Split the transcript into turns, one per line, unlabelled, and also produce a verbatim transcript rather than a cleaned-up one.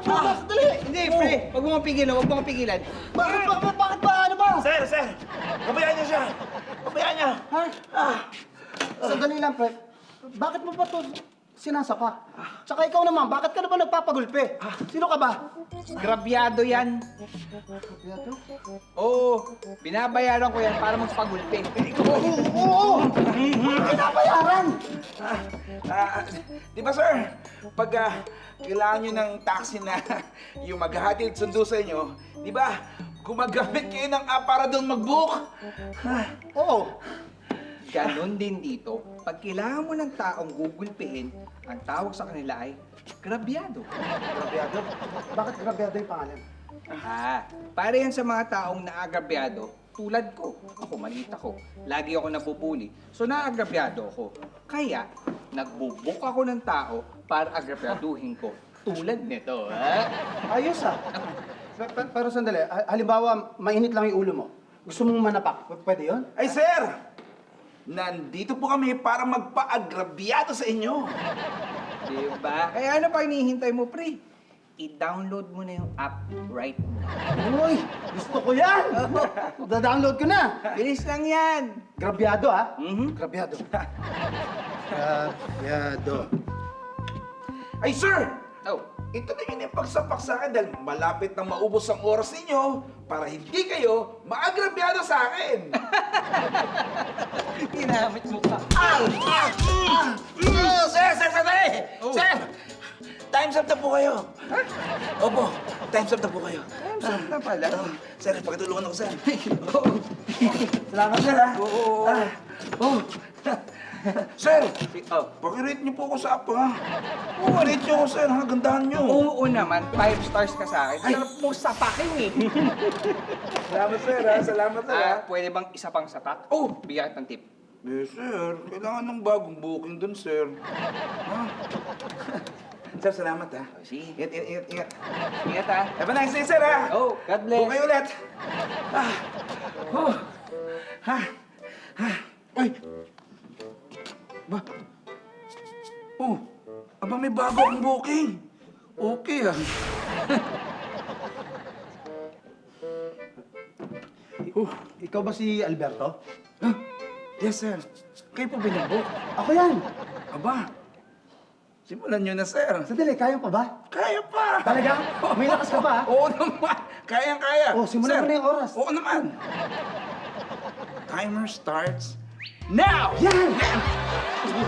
Ah, dali!
Hindi, pre. Huwag mo kang pigilan, huwag mo kang pigilan.
Bakit ba? ba- Bakit ba? Ano ba?
Sir, sir! Kabayaan niyo siya! Kabayaan niya!
Ha? Ah. Sandali lang, pre. Bakit mo ba to sinasapa? Tsaka ikaw naman, bakit ka na ba nagpapagulpe? Sino ka ba?
Grabyado yan.
Yato?
Oo, binabayaran ko yan para magpagulpe.
Oo, oo! Pinabayaran!
Ah, di ba, sir? Pag ah, kailangan nyo ng taxi na yung maghahatid sundo sa inyo, di ba? Gumagamit kayo ng app para doon mag-book.
Oo.
Ganon din dito. Pag kailangan mo ng taong gugulpihin, ang tawag sa kanila ay grabyado.
Grabyado? Bakit grabyado yung pangalan?
Ah, para yan sa mga taong naagrabyado, tulad ko. Ako, maliit ako. Lagi ako nabubuli. So, naagrabyado ako. Kaya, nagbubuk ako ng tao para agrabyaduhin ko. Tulad nito, ha?
Ayos ah. Pe- pe- Pero sandali, ha- halimbawa, mainit lang yung ulo mo. Gusto mong manapak, P- pwede yun?
Ay, sir! Nandito po kami para magpa-agrabyado sa inyo.
Diba? Kaya ano pa hinihintay mo, pre? I-download mo na yung app right now.
Uy, gusto ko yan! Da-download ko na!
Bilis lang yan!
Grabyado ah.
Mhm.
Grabyado. Grabyado.
Ay, sir!
Oh,
Ito na yun yung pagsapak sa akin dahil malapit na maubos ang oras ninyo para hindi kayo maagrabyado sa akin.
ginamit mo ka.
Ah! Ah! Ah! Mm, sir, sir, sandali!
Oh.
Sir! Time's up na po kayo. Opo, time's up na po kayo.
Saan na pala?
Oh, sir, pakitulungan ako, sir.
Oo.
Salamat, sir, ha?
Oo, oo, oo.
Ah, oh. Sir,
Oh.
pakirate niyo po ako sa app, ha? Oo, rate niyo ako, sir, ha? Gandahan niyo.
Oo naman, five stars ka sa akin. Sarap mo sapakin eh.
Salamat, sir, ha? Salamat, sir, ha?
Ah, pwede bang isa pang sapak? Oh, bigyan ng tip.
Eh, sir, kailangan ng bagong booking dun, sir. Ha? Sir, salamat, ha?
Oh, sige.
Ingat, ingat, ingat, ingat.
Ingat ha.
Have a nice day, sir, ha?
Oh, God bless.
Buo kayo ulit. Ah. Oh. Ha. Ha. Uy. Ba? Oh. Aba, may bago akong booking. Okay, ah.
Uh, ikaw ba si Alberto?
Huh? Yes, sir. Kayo po binabook.
Ako yan.
Aba. Simulan nyo na, sir.
Sandali, kaya pa ba?
Kaya pa.
Talaga? May lakas ka ba?
Oo naman. Kayang-kaya.
Oh, simulan
Sir,
mo na yung oras.
Oo naman. Timer starts now!
Yan!